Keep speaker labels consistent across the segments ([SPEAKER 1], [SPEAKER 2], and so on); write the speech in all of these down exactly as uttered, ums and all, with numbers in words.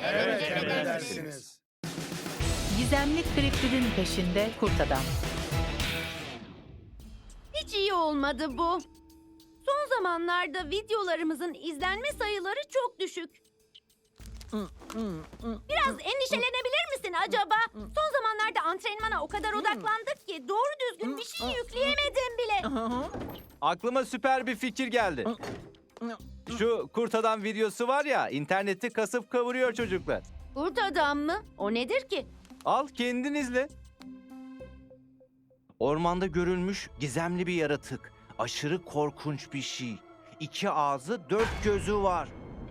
[SPEAKER 1] Evet, emredersiniz.
[SPEAKER 2] Gizemli kriptidin peşinde kurt adam.
[SPEAKER 3] Hiç iyi olmadı bu. Son zamanlarda videolarımızın izlenme sayıları çok düşük. Biraz endişelenebilir misin acaba? Son zamanlarda antrenmana o kadar odaklandık ki doğru düzgün bir şey yükleyemedim bile.
[SPEAKER 4] Aklıma süper bir fikir geldi. Şu kurt adam videosu var ya, interneti kasıp kavuruyor çocuklar.
[SPEAKER 3] Kurt adam mı? O nedir ki?
[SPEAKER 4] Al kendin izle. Ormanda görülmüş gizemli bir yaratık. Aşırı korkunç bir şey. İki ağzı, dört gözü var.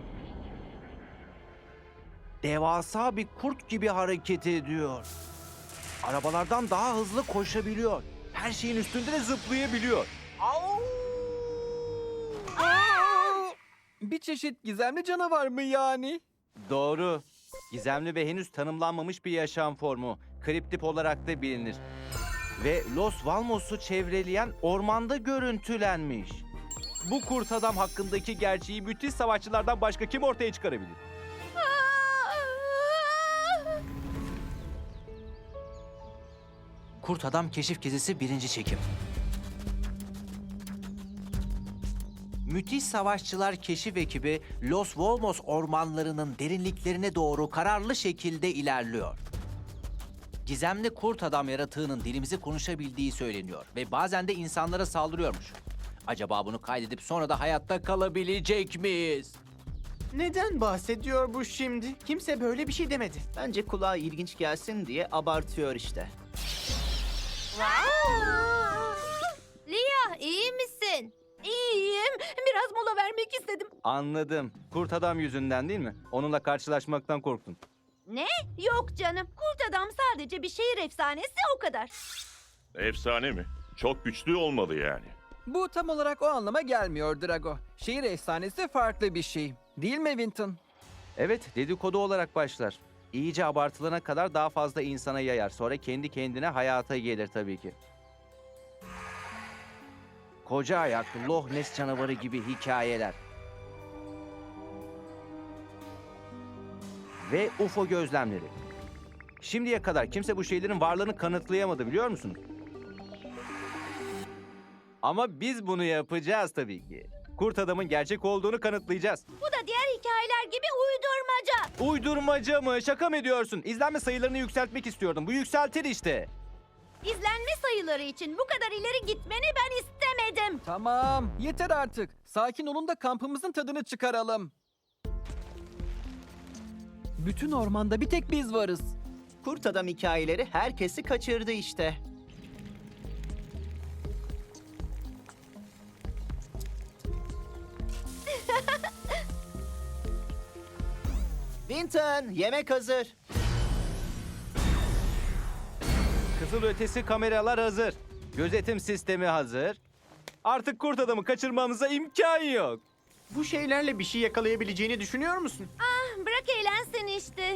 [SPEAKER 4] Devasa bir kurt gibi hareket ediyor. Arabalardan daha hızlı koşabiliyor. Her şeyin üstünde de zıplayabiliyor.
[SPEAKER 5] Bir çeşit gizemli canavar mı yani?
[SPEAKER 4] Doğru. Gizemli ve henüz tanımlanmamış bir yaşam formu. Kriptip olarak da bilinir. Ve Los Valmos'u çevreleyen ormanda görüntülenmiş. Bu kurt adam hakkındaki gerçeği müthiş savaşçılardan başka kim ortaya çıkarabilir? Kurt Adam Keşif Gezisi birinci çekim. Müthiş Savaşçılar Keşif ekibi Los Volmos ormanlarının derinliklerine doğru kararlı şekilde ilerliyor. Gizemli kurt adam yaratığının dilimizi konuşabildiği söyleniyor ve bazen de insanlara saldırıyormuş. Acaba bunu kaydedip sonra da hayatta kalabilecek miyiz?
[SPEAKER 6] Neden bahsediyor bu şimdi? Kimse böyle bir şey demedi.
[SPEAKER 7] Bence kulağa ilginç gelsin diye abartıyor işte.
[SPEAKER 3] Lia, iyi misin? İyiyim. Biraz mola vermek istedim.
[SPEAKER 4] Anladım. Kurt adam yüzünden değil mi? Onunla karşılaşmaktan korktun.
[SPEAKER 3] Ne? Yok canım. Kurt adam sadece bir şehir efsanesi, o kadar.
[SPEAKER 1] Efsane mi? Çok güçlü olmalı yani.
[SPEAKER 5] Bu tam olarak o anlama gelmiyor Drago. Şehir efsanesi farklı bir şey. Değil mi Vinton?
[SPEAKER 4] Evet, dedikodu olarak başlar. İyice abartılana kadar daha fazla insana yayar. Sonra kendi kendine hayata gelir tabii ki. Koca ayak, Loch Ness canavarı gibi hikayeler. Ve U F O gözlemleri. Şimdiye kadar kimse bu şeylerin varlığını kanıtlayamadı, biliyor musunuz? Ama biz bunu yapacağız tabii ki. Kurt adamın gerçek olduğunu kanıtlayacağız.
[SPEAKER 3] Bu da diğer hikayeler gibi uydurmaca.
[SPEAKER 4] Uydurmaca mı? Şaka mı ediyorsun? İzlenme sayılarını yükseltmek istiyordum. Bu yükseltir işte.
[SPEAKER 3] İzlenme sayıları için bu kadar ileri gitmeni ben istemedim.
[SPEAKER 5] Tamam, yeter artık. Sakin olun da kampımızın tadını çıkaralım. Bütün ormanda bir tek biz varız.
[SPEAKER 7] Kurt adam hikayeleri herkesi kaçırdı işte. Vinton, yemek hazır.
[SPEAKER 4] Kızıl ötesi kameralar hazır. Gözetim sistemi hazır. Artık kurt adamı kaçırmamıza imkan yok.
[SPEAKER 6] Bu şeylerle bir şey yakalayabileceğini düşünüyor musun?
[SPEAKER 3] Bırak eğlensin işte.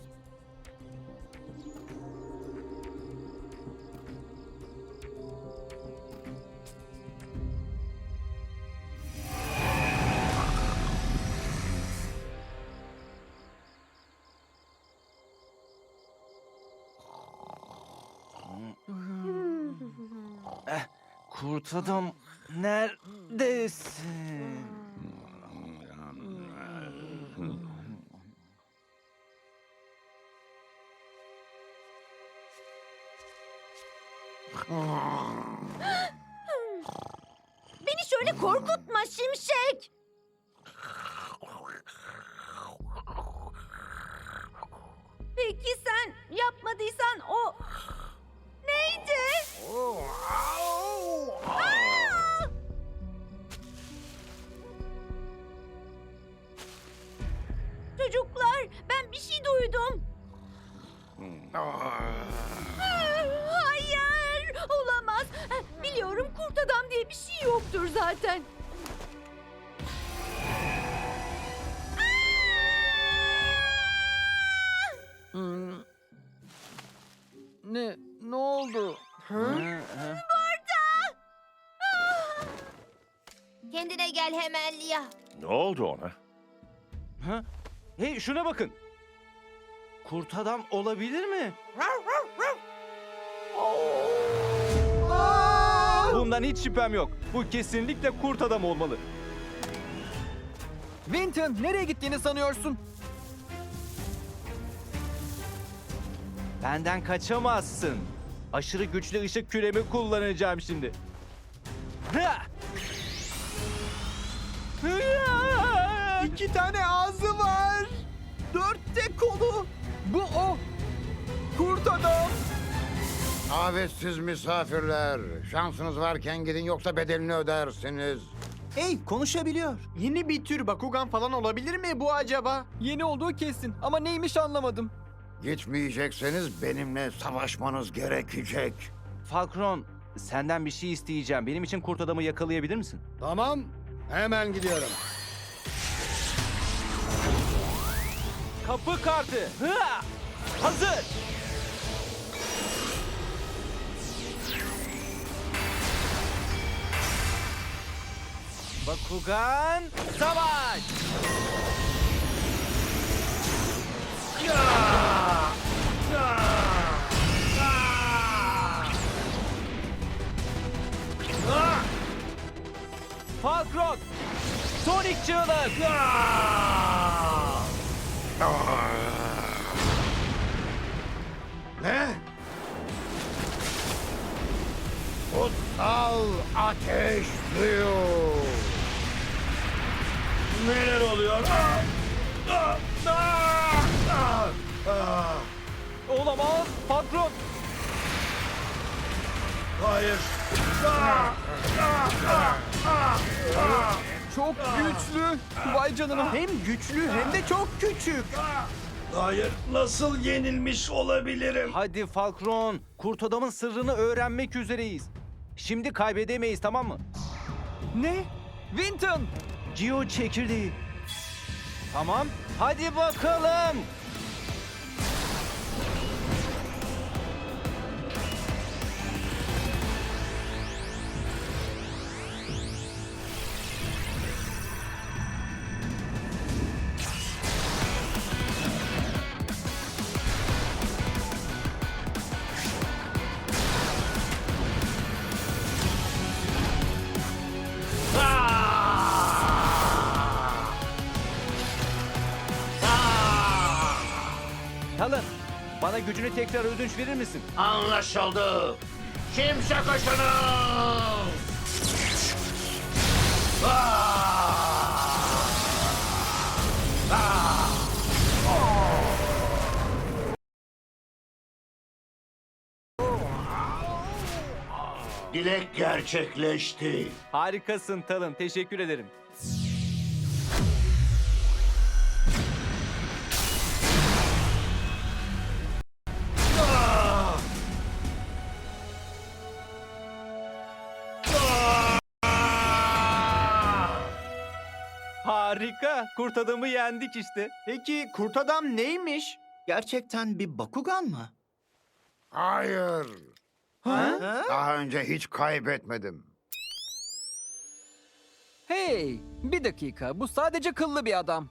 [SPEAKER 4] Kurt adam neredesin?
[SPEAKER 3] Beni şöyle korkutma Şimşek. Peki sen yapmadıysan o neydi? Aa! Çocuklar, ben bir şey duydum. Hayır, olamaz. Biliyorum, kurt adam diye bir şey yoktur zaten.
[SPEAKER 5] Hmm. Ne? Ne oldu?
[SPEAKER 3] Kendine gel hemen Lia.
[SPEAKER 1] Ne oldu ona?
[SPEAKER 4] Ha? Hey, şuna bakın. Kurt adam olabilir mi?
[SPEAKER 8] Bundan hiç şüphem yok. Bu kesinlikle kurt adam olmalı.
[SPEAKER 5] Vinton, nereye gittiğini sanıyorsun?
[SPEAKER 8] Benden kaçamazsın. Aşırı güçlü ışık küremi kullanacağım şimdi. Hıa! Hıa!
[SPEAKER 6] İki tane ağzı var. Dört de kolu.
[SPEAKER 5] Bu o. Kurt adam.
[SPEAKER 9] Davetsiz misafirler. Şansınız varken gidin yoksa bedelini ödersiniz.
[SPEAKER 6] Hey, konuşabiliyor. Yeni bir tür Bakugan falan olabilir mi bu acaba?
[SPEAKER 5] Yeni olduğu kesin ama neymiş anlamadım.
[SPEAKER 9] Gitmeyecekseniz benimle savaşmanız gerekecek.
[SPEAKER 8] Falkron, senden bir şey isteyeceğim. Benim için kurt adamı yakalayabilir misin?
[SPEAKER 9] Tamam, hemen gidiyorum.
[SPEAKER 8] Kapı kartı. Hıa! Hazır. Bakugan, savaş! Falkron, Sonic çığlık!
[SPEAKER 9] Ne? Kutsal ateş suyu. Neler oluyor?
[SPEAKER 8] Olamaz, Falkron!
[SPEAKER 9] Hayır.
[SPEAKER 5] Çok güçlü. Vay canına.
[SPEAKER 6] Hem güçlü hem de çok küçük.
[SPEAKER 9] Hayır, nasıl yenilmiş olabilirim?
[SPEAKER 8] Hadi Falkron, kurt adamın sırrını öğrenmek üzereyiz. Şimdi kaybedemeyiz, tamam mı?
[SPEAKER 5] Ne? Vinton.
[SPEAKER 8] Geo çekirdeği. Tamam, hadi bakalım. Talın, bana gücünü tekrar ödünç verir misin?
[SPEAKER 9] Anlaşıldı. Kimse kaçınız. Dilek gerçekleşti.
[SPEAKER 8] Harikasın Talın, teşekkür ederim. Harika, kurt adamı yendik işte.
[SPEAKER 6] Peki kurt adam neymiş?
[SPEAKER 7] Gerçekten bir Bakugan mı?
[SPEAKER 9] Hayır.
[SPEAKER 6] Ha?
[SPEAKER 9] Daha önce hiç kaybetmedim.
[SPEAKER 5] Hey, bir dakika. Bu sadece kıllı bir adam.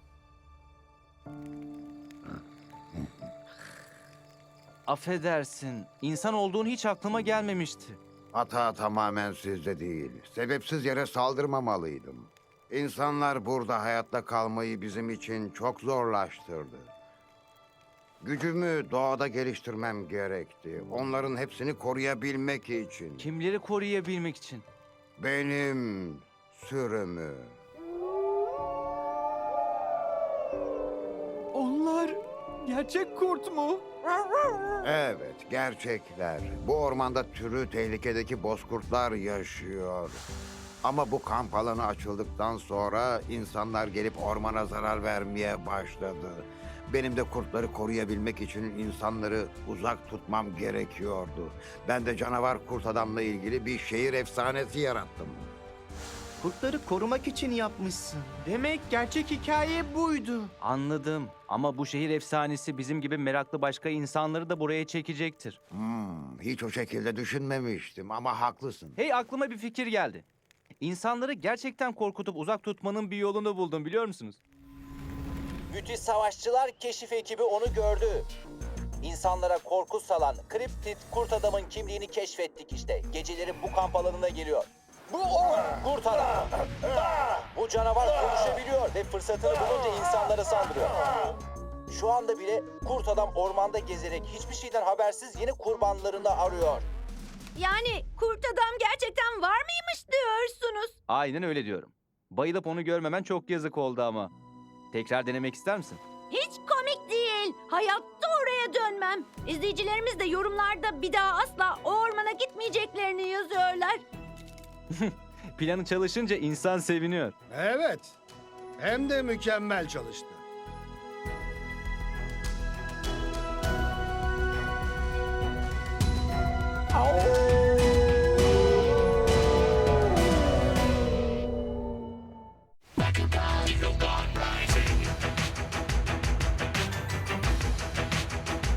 [SPEAKER 8] Affedersin, insan olduğun hiç aklıma gelmemişti.
[SPEAKER 9] Hata tamamen sizde değil. Sebepsiz yere saldırmamalıydım. İnsanlar burada hayatta kalmayı bizim için çok zorlaştırdı. Gücümü doğada geliştirmem gerekti. Onların hepsini koruyabilmek için.
[SPEAKER 8] Kimleri koruyabilmek için?
[SPEAKER 9] Benim sürümü.
[SPEAKER 5] Onlar gerçek kurt mu?
[SPEAKER 9] Evet, gerçekler. Bu ormanda türü tehlikedeki bozkurtlar yaşıyor. Ama bu kamp alanı açıldıktan sonra insanlar gelip ormana zarar vermeye başladı. Benim de kurtları koruyabilmek için insanları uzak tutmam gerekiyordu. Ben de canavar kurt adamla ilgili bir şehir efsanesi yarattım.
[SPEAKER 7] Kurtları korumak için yapmışsın.
[SPEAKER 6] Demek gerçek hikaye buydu.
[SPEAKER 8] Anladım ama bu şehir efsanesi bizim gibi meraklı başka insanları da buraya çekecektir.
[SPEAKER 9] Hmm, hiç o şekilde düşünmemiştim ama haklısın.
[SPEAKER 8] Hey, aklıma bir fikir geldi. İnsanları gerçekten korkutup uzak tutmanın bir yolunu buldum, biliyor musunuz?
[SPEAKER 4] Müthiş Savaşçılar Keşif ekibi onu gördü. İnsanlara korku salan kriptit kurt adamın kimliğini keşfettik işte. Geceleri bu kamp alanına geliyor. Bu o kurt adam. Bu canavar konuşabiliyor ve fırsatını bulunca insanlara saldırıyor. Şu anda bile kurt adam ormanda gezerek hiçbir şeyden habersiz yeni kurbanlarını arıyor.
[SPEAKER 3] Yani kurt adam gerçekten var mıymış diyorsunuz?
[SPEAKER 8] Aynen öyle diyorum. Bayılıp onu görmemen çok yazık oldu ama. Tekrar denemek ister misin?
[SPEAKER 3] Hiç komik değil. Hayatta oraya dönmem. İzleyicilerimiz de yorumlarda bir daha asla o ormana gitmeyeceklerini yazıyorlar.
[SPEAKER 8] Planı çalışınca insan seviniyor.
[SPEAKER 10] Evet. Hem de mükemmel çalıştı.
[SPEAKER 9] Au!